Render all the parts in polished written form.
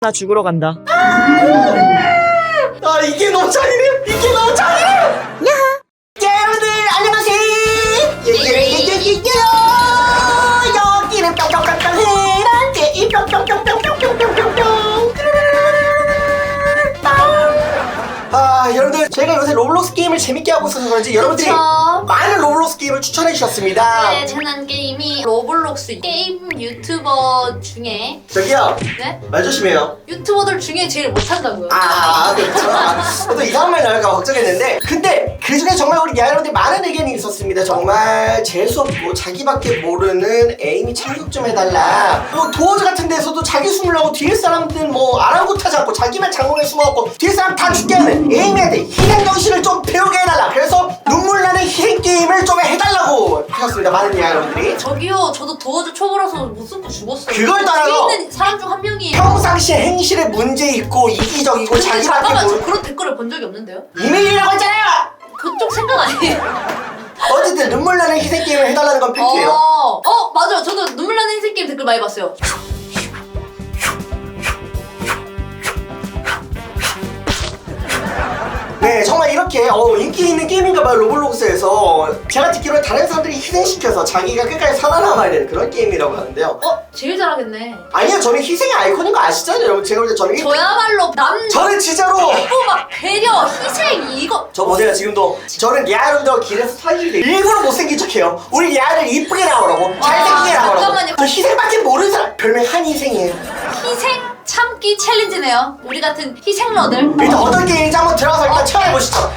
나 죽으러 간다. 아 이게 너무 잔인해. 이게 너무 잔인해. 여러분들 안녕하세요. 여기는 뿅뿅뿅뿅 해란 게임 뿅뿅뿅뿅뿅뿅뿅뿅. 아 여러분들 저희가 요새 로블록스 게임을 재밌게 하고 있어서 그런지 여러분들이 그쵸? 많은 로블록스 게임을 추천해 주셨습니다. 네, 재난 게임이 로블록스 게임 유튜버 중에 저기요 네? 말 조심해요. 유튜버들 중에 제일 못한다고요. 그렇죠. 또 이상한 말 나올까 걱정했는데 근데 그 중에 정말 우리 여러분들 많은 의견이 있었습니다. 정말 재수없고 자기밖에 모르는 에임이 참석 좀 해달라. 뭐 도어즈 같은 데서도 자기 숨으려고 뒤에 사람들 뭐 아랑곳하지 않고 자기만 장롱에 숨어갖고 뒤에 사람 다 죽게 하는 에임에 희생 정신을 좀 배우게 해달라. 그래서 눈물 나는 희생 게임을 좀 해달라고 하셨습니다. 많은 여러분들이. 저기요, 저도 도어즈 초보라서 못 숨고 죽었어요. 그걸 따라서 뒤에 있는 사람 중 한 명이 평상시에 행실에 문제 있고 이기적이고 근데 자기밖에 잠깐만, 저 모르는 그런 댓글을 본 적이 없는데요? 이메일이라고 했잖아요. 그쪽 생각 아니에요? 어쨌든 눈물 나는 희생 게임을 해달라는 건 팩트예요. 맞아요. 저도 눈물 나는 인생 게임 댓글 많이 봤어요. 네, 정말 이렇게 인기 있는 게임인가봐요. 로블록스에서 제가 듣기로는 다른 사람들이 희생시켜서 자기가 끝까지 살아남아야 되는 그런 게임이라고 하는데요. 제일 잘하겠네. 아니요, 저는 희생의 아이콘인 거 아시잖아요, 여러분. 제가 볼 때 저는 저야말로 저는 진짜로 막 배려, 희생 이거. 저 보세요, 지금도 저는 리아름도 길에서 사진을 일부러 못생긴 척해요. 우리 리아를 이쁘게 나오라고, 잘생기게 나오라고. 잠깐만요. 저 희생밖에 모르는 사람 별명 한희생이에요. 희생 참기 챌린지네요. 우리 같은 희생러들. 일단 어떤 게임인지 한번 들어가서 일단 체험해보시죠.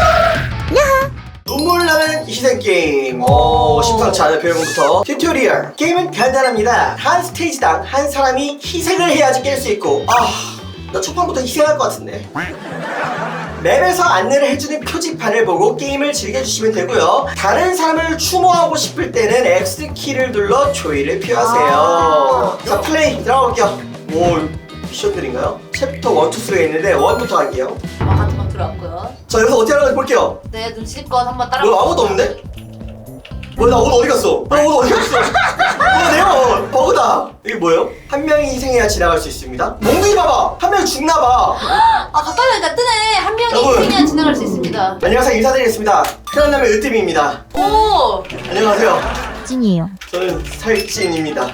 눈물 나는 희생 게임. 심상치 않은 배경부터 튜토리얼. 게임은 간단합니다. 한 스테이지당 한 사람이 희생을 해야지 깰 수 있고, 나 초반부터 희생할 것 같은데. 맵에서 안내를 해주는 표지판을 보고 게임을 즐겨주시면 되고요. 다른 사람을 추모하고 싶을 때는 X키를 눌러 조이를 표하세요. 자, 플레이 들어가볼게요. 미션들인가요? 챕터 1, 2, 3가 있는데 1부터 할게요. 같은 거 들어왔고요. 자, 여기서 어떻게 하는지 볼게요. 네, 눈치껏 한번 따라. 아무도 없는데? 나 옷 어디 갔어? 나 옷 어디 갔어? 내가 버그다. 이게 뭐예요? 한 명이 희생해야 지나갈 수 있습니다. 몽둥이 봐봐. 한 명이 죽나봐. 가까이 가니까 뜨네. 한 명이 여러분. 희생해야 지나갈 수 있습니다. 안녕하세요, 인사드리겠습니다. 편안남의 으뜸입니다. 오! 안녕하세요. 찐이에요. 저는 살찐입니다.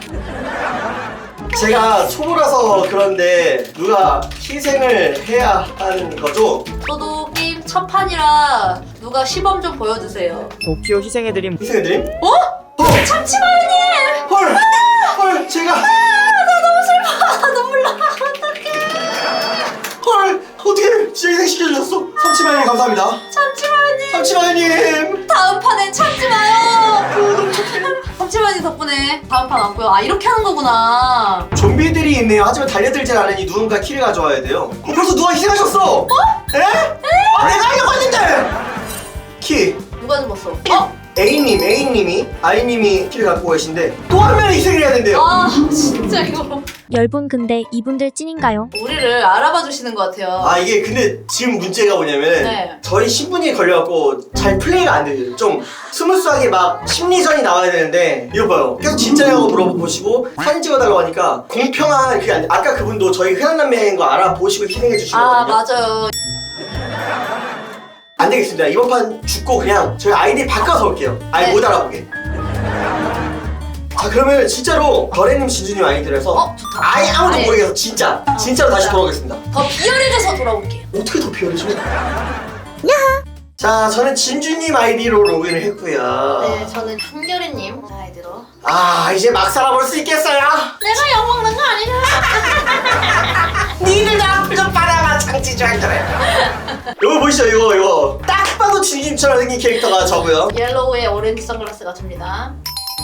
제가 초보라서 그런데 누가 희생을 해야 하는 거죠? 저도 게임 첫 판이라 누가 시범 좀 보여주세요. 도쿄 희생해드림. 희생해드림? 참치마요님! 헐, 제가 나 너무 슬퍼. 눈물 나. 어떡해. 헐, 어떻게 진짜 희생시켜주셨어? 삼치마님 감사합니다. 참치마요님! 삼치마님. 다음 판엔 참지 마요. 참치마요님 덕분에 다음 판 왔고요. 이렇게 하는 거구나. 좀비들이 있네요. 하지만 달려들질 않으니 누군가 키를 가져와야 돼요. 벌써 누가 희생하셨어? 에? 내가 하려고 했는데! 키. 누가 죽었어? A님이 I님이 키를 갖고 계신데 또 한 명이 희생을 해야 된대요. 진짜 이거. 열분 근데 이분들 찐인가요? 우리를 알아봐 주시는 것 같아요. 이게 근데 지금 문제가 뭐냐면 네. 저희 신분이 걸려갖고 잘 플레이가 안 돼요. 좀 스무스하게 막 심리전이 나와야 되는데 이거 봐요. 계속 진짜냐고 물어보시고 사진 찍어달라고 하니까 공평한 그게 안 돼. 아까 그분도 저희 흔한 남매인 거 알아보시고 희생해 주시거든요. 맞아요. 안 되겠습니다. 이번 판 죽고 그냥 저희 아이디 바꿔서 올게요. 네. 못 알아보게. 자, 그러면 진짜로 거래님, 진주님 아이들에서 좋다. 아예 아무도 아예. 모르게 해서 진짜로 다시 돌아오겠습니다. 더 비열해져서 돌아올게요. 어떻게 더 비열해져? 자, 저는 진주님 아이디로 로그인을 했고요. 네, 저는 한결이님 아이디로. 이제 막 살아볼 수 있겠어요? 내가 약 먹는 거 아니잖아. 니들 앞을 좀 받아봐, 장치주한 그래. 이거 보이시죠? 이거 딱 봐도 진주님처럼 생긴 캐릭터가 저고요. 옐로우에 오렌지 선글라스가 접니다.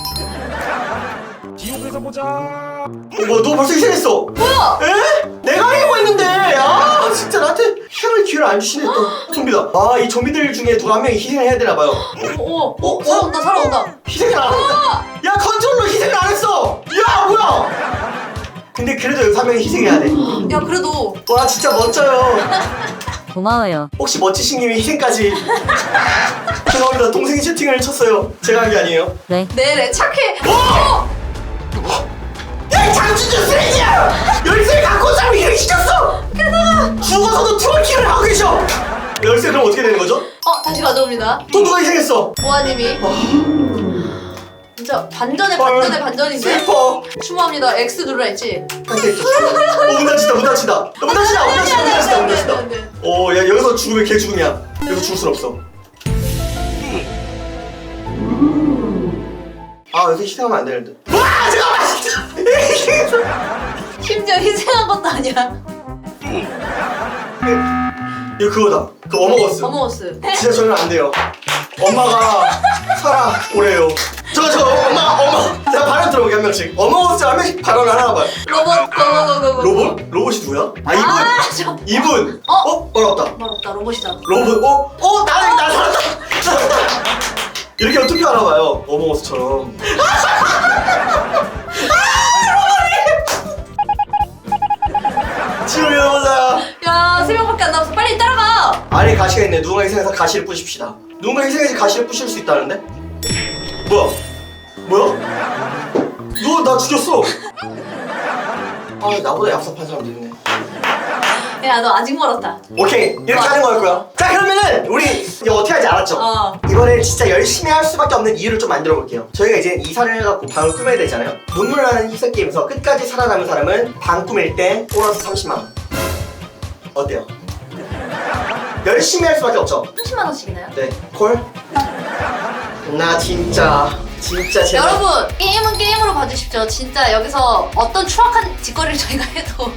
지옥에서 보자. 너 벌써 희생했어. 뭐야? 에? 내가 하려고 했는데 진짜 나한테 희생할 기회를 안 주시네 또. 좀비다. 이 좀비들 중에 누가 한 명이 희생을 해야 되나 봐요. 살아온다. 희생을 안 했다. 야, 컨트롤러 희생을 안 했어. 야, 뭐야. 근데 그래도 여기서 한 명이 희생해야 돼. 야, 그래도 와, 진짜 멋져요. 고마워요. 혹시 멋지신 님이 희생까지. 죄송합니다. 동생이 채팅을 쳤어요. 제가 한 게 아니에요. 네. 네네 착해. 야, 야 장준준 쓰레기야! 열쇠 갖고 온 사람이 이렇게 시켰어! 게다가 죽어서도 트월킹을 하고 계셔! 열쇠 그럼 어떻게 되는 거죠? 다시 가져옵니다. 또 누가 희생했어? 보아님이. 진짜 반전에 헐. 반전인데? 슬퍼. 추모합니다. X 눌러 했지? 문 닫히다 문 닫히다 문 닫히다 문 닫히다 문 닫히다 문 닫히다 안 돼. 야 여기서 죽으면 개 죽음이야. 여기서 죽을 순 없어. 여기서 희생하면 안 되는데. 와 잠깐만. 심지어 희생한 것도 아니야. 이거 그거다. 그 어머거스. 어머어스. 진짜 저는 안 돼요. 엄마가 살아 오래요. 저 엄마 제가 발언 들어보게 한 명씩. 어머거스 한 명씩 발언 하나 봐요. 로봇 고고고고. 로봇? 로봇이 누구야? 이분. 이분. 어렵다. 말없다. 로봇이다. 로봇. 나 살았다. 이렇게 하면 투표하나 봐요. 어머거스처럼. 지금 일어나자. 야, 3명밖에 안 남았어. 빨리 따라가. 아래 가시가 있네. 누군가 희생해서 가시를 부십시다. 누군가 희생해서 가시를 부실 수 있다는데? 뭐야? 누가 나 죽였어? 나보다 얍삽한 사람도 있네. 야, 너 아직 멀었다. 오케이, 이렇게 하는 거였고요. 자, 그러면은 우리 이제 어떻게 할지 알았죠? 이번에 진짜 열심히 할 수밖에 없는 이유를 좀 만들어 볼게요. 저희가 이제 이사를 해갖고 방을 꾸며야 되잖아요. 눈물 나는 희생 게임에서 끝까지 살아남은 사람은 방 꾸밀 때 보너스 30만 원. 어때요? 열심히 할 수밖에 없죠? 30만 원씩이나요? 네, 콜? 나 진짜 제발. 여러분, 게임은 게임으로 봐주십시오. 진짜 여기서 어떤 추악한 짓거리를 저희가 해도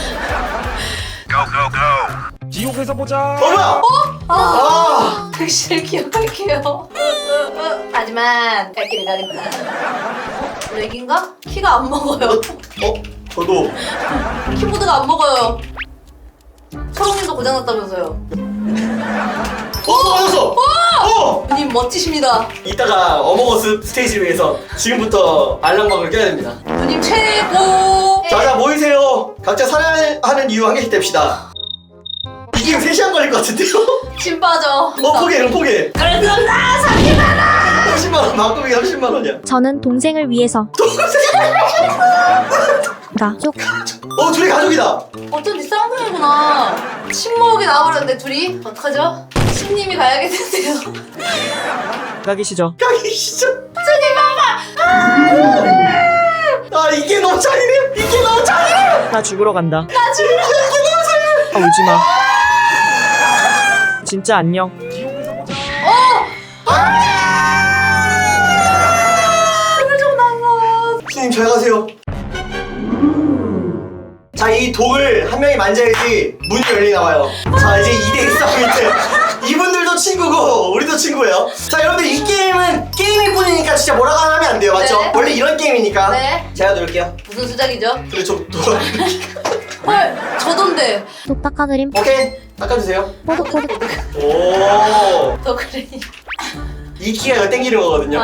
지옥에서 보자. 뭐야? 택시를 기억할게요. 하지만 갈 길을 가겠다. 렉인가? 키가 안 먹어요. 저도. 키보드가 안 먹어요. 초롱님도 고장났다면서요. 맞았어! 님 멋지십니다. 이따가 어머거스 스테이지를 위해서 지금부터 알람박을 껴야 됩니다. 누님 최고. 자 모이세요. 각자 살아야 하는 이유 한 개씩 댑시다. 이 게임 3시간 걸릴 것 같은데요? 진 빠져. 포기해 그럼 포기해. 그래 그럼 나 30만 원. 30만원 바꾸기 30만원이야. 저는 동생을 위해서 가족 둘이 가족이다. 어쩐지 쌍둥이구나. 친목이 나와버렸는데 둘이 어떡하죠? 신님이 가야겠는데요. 가기시죠. 가기 진짜. 이게 너무 잔인해. 이게 너무 잔인해. 나 죽으러 간다. 나 지금 이게 너무 잔인해. 울지 마. 진짜 안녕. 좀 나서. 스님 잘 가세요. 자, 이 독을 한 명이 만져야지 문이 열리나 봐요. 자, 이제 2대1 싸움인데 이분들도 친구고 우리도 친구예요. 자, 여러분들 이 게임은 게임일 뿐이니까 진짜 뭐라고 하면 안 돼요, 맞죠? 네. 원래 이런 게임이니까. 네. 제가 누를게요. 무슨 수작이죠? 근데 헐, 저던데. 독 닦아드림 오케이, 닦아주세요. 뽀득뽀득 오, 더 그러니. 이 키가 이거 땡기는 거거든요.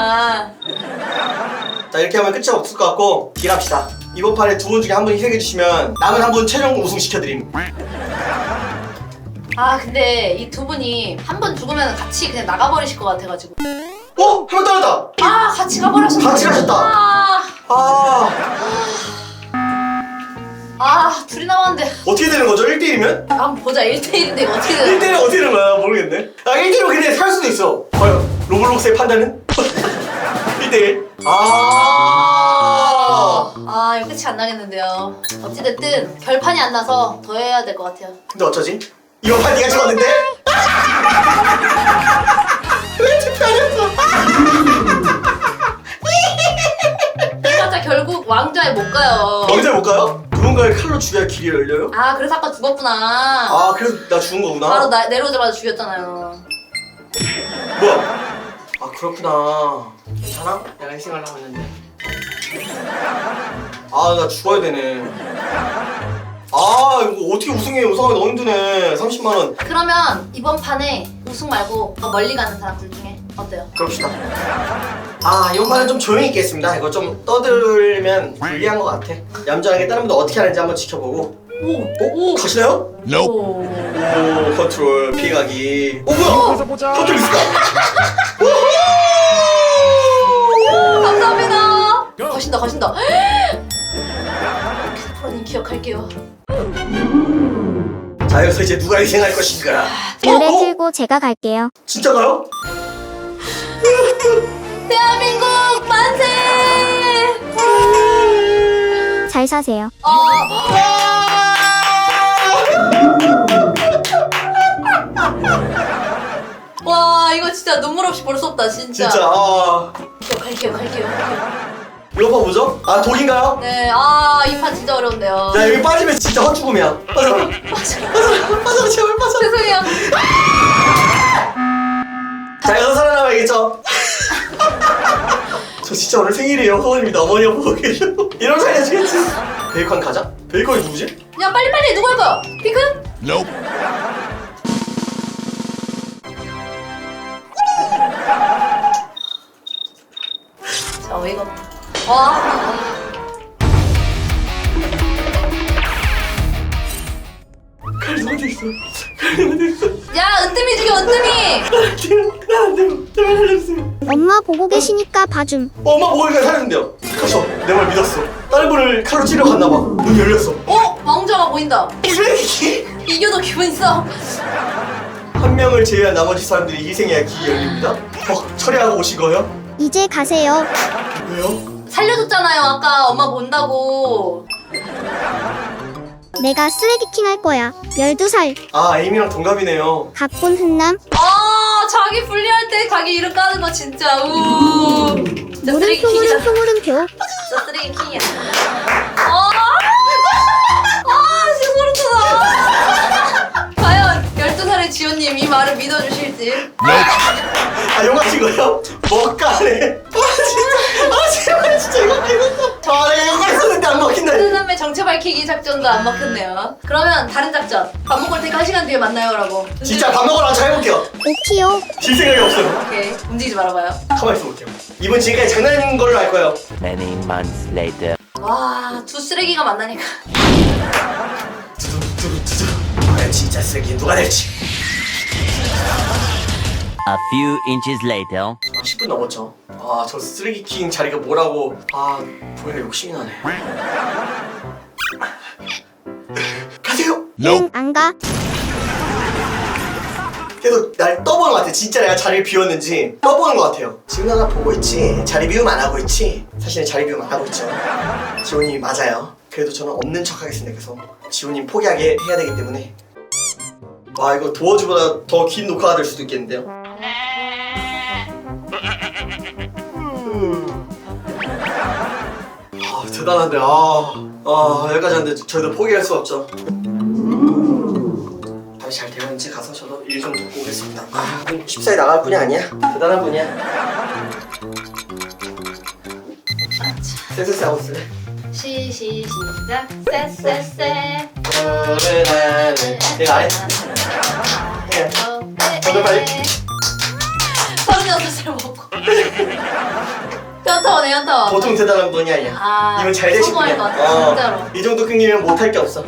자, 이렇게 하면 끝이 없을 것 같고 딜합시다. 이번 판에 두 분 중에 한 분 희생해주시면 남은 한 분 최종 우승 시켜드림. 근데 이 두 분이 한 번 죽으면 같이 그냥 나가버리실 것 같아가지고. 한 명 떨어졌다. 같이 가버렸어. 같이 가셨다. 둘이 남았는데. 어떻게 되는 거죠? 1대1이면? 한번 보자. 1대1인데 이거 어떻게 되나? 1대1은 어떻게 되는 거야? 모르겠네. 1대1로 근데 살 수도 있어. 과연 로블록스의 판단은? 1대1. 이거 끝이 안 나겠는데요. 어찌됐든 결판이 안 나서 더 해야 될 것 같아요. 근데 어쩌지? 이번 판 네가 찍었는데? 왜 투표 안 했어? 그래서 결국 왕좌에 못 가요. 왕자에 못 가요? 누군가를 칼로 죽여야 길이 열려요? 그래서 아까 죽었구나. 그래서 나 죽은 거구나. 바로 내려오자마자 죽였잖아요. 뭐야? 그렇구나. 괜찮아? 내가 희생하려고 했는데. 나 죽어야 되네. 이거 어떻게 우승해? 우승하기 너무 힘드네. 30만원. 그러면 이번 판에 우승 말고 더 멀리 가는 사람 둘 중에 어때요? 그럽시다. 이번 판은 좀 조용히 있겠습니다. 이거 좀 떠들면 불리한 것 같아. 얌전하게 다른 분들 어떻게 하는지 한번 지켜보고. 오! 가시나요? 오! 오, 컨트롤, 피해가기. 뭐야? 지옥에서 보자. 컨트롤 있을까? 감사합니다. 거신다. 기억할게요. 자, 여기서 이제 누가 희생할 것인가? 노래 틀고 제가 갈게요. 진짜가요? 대한민국 만세! 잘 사세요. 와 이거 진짜 눈물 없이 볼 수 없다 진짜. 진짜, 갈게요. 이거 봐, 뭐죠? 아, 독인가요? 네, 이 판 진짜 어려운데요. 야, 여기 빠지면 진짜 헛죽음이야. 빠져, 제발 빠져. 죄송해요. 자, 여기서 살아남아야겠죠? 저 진짜 오늘 생일이에요. 어머님이 어머니가 보고 계셔. 이러면 살려주겠지. 베이컨 가자? 베이컨이 누구지? 야 빨리 누구 할까요? 핑크? 자 어이가 없다. 와. 칼리 어디 있어? 칼리 어디 있어? 야 은뜸이 죽여 은뜸이. 나안 되고 제발 살려주세요. 엄마 보고 계시니까 봐줌. 엄마 먹으니까 살렸는데요. 가서 내 말 믿었어. 다른 분을 칼로 찌르러 갔나봐. 문 열렸어. 왕자가 보인다. 쓰레기! 이겨도 기분 있어. 한 명을 제외한 나머지 사람들이 희생해야 길이 열립니다. 처리하고 오신 거예요? 이제 가세요. 왜요? 살려줬잖아요 아까 엄마 본다고. 내가 쓰레기킹 할 거야. 12살. 아, 에이미랑 동갑이네요. 가쁜 흔남. 자기 분리할 때 자기 이름 까는 거 진짜 진짜 쓰레기 물음표 킹이다. 물음표. 진짜 쓰레기 킹이야. 진짜 소름 돋아. 과연 12살의 지호님 이 말을 믿어주실지. 용하신 거예요? 먹가네. 제발 진짜 이거 믿었어. 내가 용했었는데 안 먹힌다. 흔남의 정체 밝히기 작전도 안 먹혔네요. 그러면 다른 작전. 밥 먹을 테니까 1시간 뒤에 만나요라고. 진짜 밥 먹으러 잘 해볼게요. 오키요. 질 생각이 없어요. 오케이 움직이지 말아봐요. 가만히 있어 볼게요. 이분 지금까지 장난인 걸로 알 거예요. Many months later. 와, 두 쓰레기가 만나니까. 두두두두두. 과연 진짜 쓰레기 누가 될지. A few inches later. 10분 넘었죠. 저 쓰레기킹 자리가 뭐라고. 보이는 욕심이 나네. 가세요. 응, 안 가. 계속 날 떠보는 것 같아. 진짜 내가 자리를 비웠는지 떠보는 것 같아요. 지훈 하나 보고 있지. 자리 비움 안 하고 있지. 사실은 자리 비움 안 하고 있죠. 지훈님이 맞아요. 그래도 저는 없는 척 하겠습니다. 그래서 지훈님 포기하게 해야 되기 때문에. 와, 이거 도어즈보다 더 긴 녹화가 될 수도 있겠는데요. 대단한데. 여기까지 하는데 저희도 포기할 수 없죠. 다시 잘 되는지 가서 저도 일 좀 돕고 오겠습니다. 쉽사리 나갈 뿐이 아니야. 대단한 분이야. 쎄쎄쎄 하고 있을래? 시작. 쎄쎄쎄. 내가 안 해? 해. 오늘 빨리. 36살 먹고. 현타오네 현타오. 보통 대단한 분이 아니야. 이건 잘 되실 성공할 분이야. 것 같아 진짜로. 이 정도 끊기면 못할 게 없어.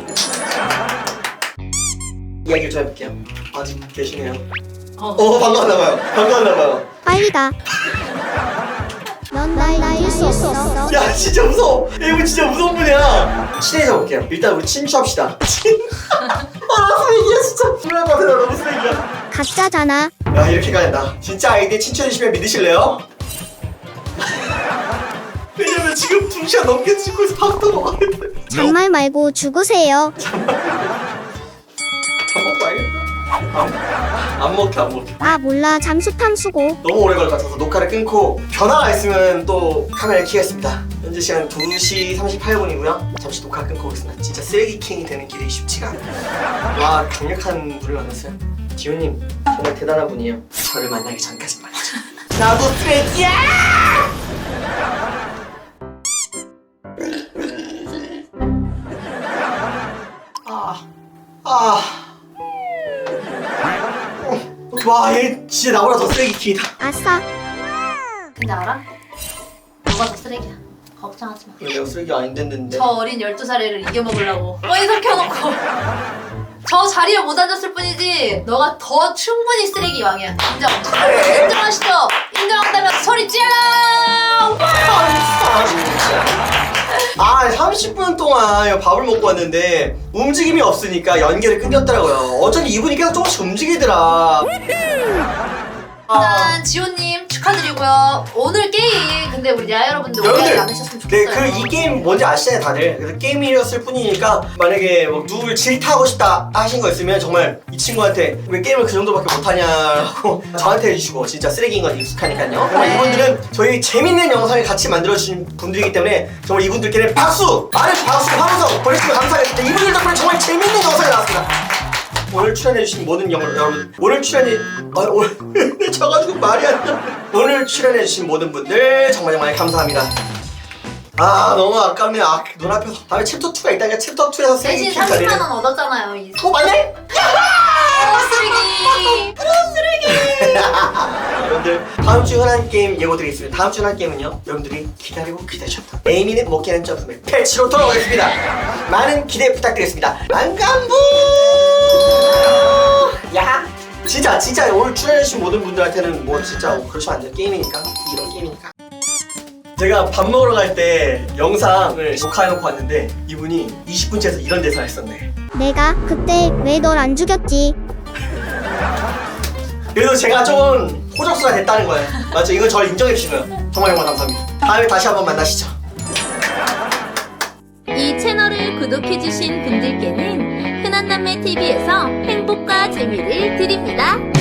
이야기를 좀 해볼게요. 아직 계시네요. 반가웠나봐요. 빨리 가. 넌 날 이길 수 없어. 야, 진짜 무서워. 이분 진짜 무서운 분이야. 친해져 볼게요. 일단 우리 친추합시다. 쓰레기야 진짜. 불알 것 같아. 나 너무 쓰레기야. 가짜잖아. 야, 이렇게 가야 나 진짜 아이디 친추해주시면 믿으실래요? 왜냐면 지금 2시간 넘게 찍고 있어. 밥도 먹어야 돼. 잔말 말고 죽으세요. 밥 먹고 와야겠다. 안 먹혀. 몰라. 잠수탐 수고. 너무 오래 걸 것 같아서 녹화를 끊고 변화가 있으면 또 카메라를 켜겠습니다. 현재 시간 2시 38분이고요. 잠시 녹화 끊고 오겠습니다. 진짜 쓰레기킹이 되는 길이 쉽지가 않아요. 와, 강력한 분을 만났어요. 지훈님 정말 대단한 분이에요. 저를 만나기 전까지 말이죠. 나도 쓰레기야! 와, 얘 진짜 나보다 더 쓰레기킹이다. 아싸. 근데 알아? 너가 더 쓰레기야. 걱정하지 마. 내가 쓰레기 아닌데. 저 어린 12살 애를 이겨먹으려고 어디서 켜놓고 저 자리에 못 앉았을 뿐이지 너가 더 충분히 쓰레기 왕이야. 인정하시죠? 인정한다면 소리 질러! 진짜. 아 30분 동안 밥을 먹고 왔는데 움직임이 없으니까 연결이 끊겼더라고요. 어쩐지 이분이 계속 조금씩 움직이더라. 일단 지호님 축하드리고요. 오늘 게임 근데 우리 야 여러분들 오해하지 않으셨으면 네, 좋겠어요. 이 게임 뭔지 아시잖아요, 다들. 그래서 게임이었을 뿐이니까 만약에 뭐 누굴 질타하고 싶다 하신 거 있으면 정말 이 친구한테 왜 게임을 그 정도밖에 못하냐고 저한테 해주시고 진짜 쓰레기인 건 익숙하니까요. 정말 네. 이분들은 저희 재밌는 영상을 같이 만들어주신 분들이기 때문에 정말 이분들께는 박수! 많은 박수 하면서 보내주시면 감사하겠습니다. 이분들 덕분에 정말 재밌는 영상이 나왔습니다. 오늘 출연해주신 모든 여러분, 오늘 오늘 져가지고 말이 안 나. 오늘 출연해주신 모든 분들 정말 감사합니다. 아 너무 아깝네. 아 눈앞에서 다음에 챕터 2가 있다니까 챕터 2에서 쓰레기 대신 30만 원 얻었잖아요. 이 맞네? 쓰레기. 여러분들 다음 주 흔한 게임 예고 드리겠습니다. 다음 주 흔한 게임은요 여러분들이 기다리고 기다리셨던 에이미는 못 깨는 점프맨 패치로 돌아오겠습니다. 많은 기대 부탁드리겠습니다. 안간부 야 진짜 오늘 출연해주신 모든 분들한테는 뭐 진짜 그러시면 안 돼요. 게임이니까 이런 게임이니까. 제가 밥 먹으러 갈 때 영상을 녹화해놓고 왔는데 이분이 20분째에서 이런 대사를 했었네. 내가 그때 왜 널 안 죽였지? 그래서 제가 좀 호적수가 됐다는 거예요. 맞죠? 이건 저를 인정해 주시고요. 정말 감사합니다. 다음에 다시 한번 만나시죠. 이 채널을 구독해주신 분들께는 흔한남매TV에서 행복과 재미를 드립니다.